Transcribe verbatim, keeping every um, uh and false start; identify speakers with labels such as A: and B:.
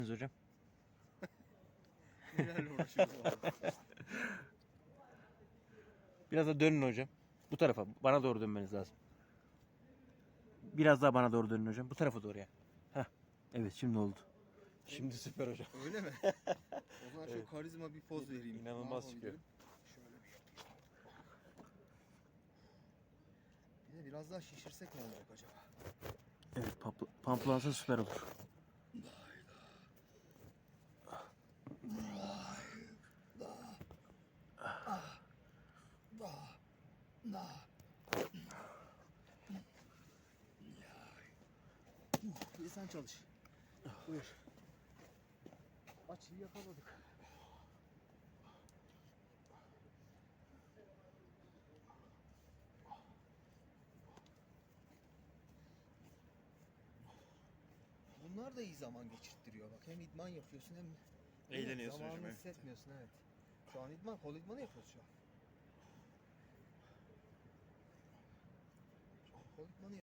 A: hocam.
B: Nelerle uğraşıyoruz abi.
A: Biraz da dönün hocam. Bu tarafa. Bana doğru dönmeniz lazım. Biraz daha bana doğru dönün hocam. Bu tarafa doğru ya. Heh. Evet şimdi oldu. Şimdi süper hocam.
B: Öyle mi? O zaman
A: Evet.
B: çok karizma bir poz vereyim.
A: İnanılmaz
B: Ne
A: çıkıyor.
B: yapabilirim? Şöyle bir yapayım. Bir de biraz daha şişirsek ne olacak acaba?
A: Evet pampl pamplansa süper olur.
B: Bir de sen çalış. Buyur. Açıyı yakaladık. Bunlar da iyi zaman geçirttiriyor bak. Hem idman yapıyorsun hem
C: Eğleniyorsun
B: zamanını
C: hocam, evet.
B: hissetmiyorsun, evet. Şu an idman, kol idmanı yapıyoruz şu an. Kol idmanı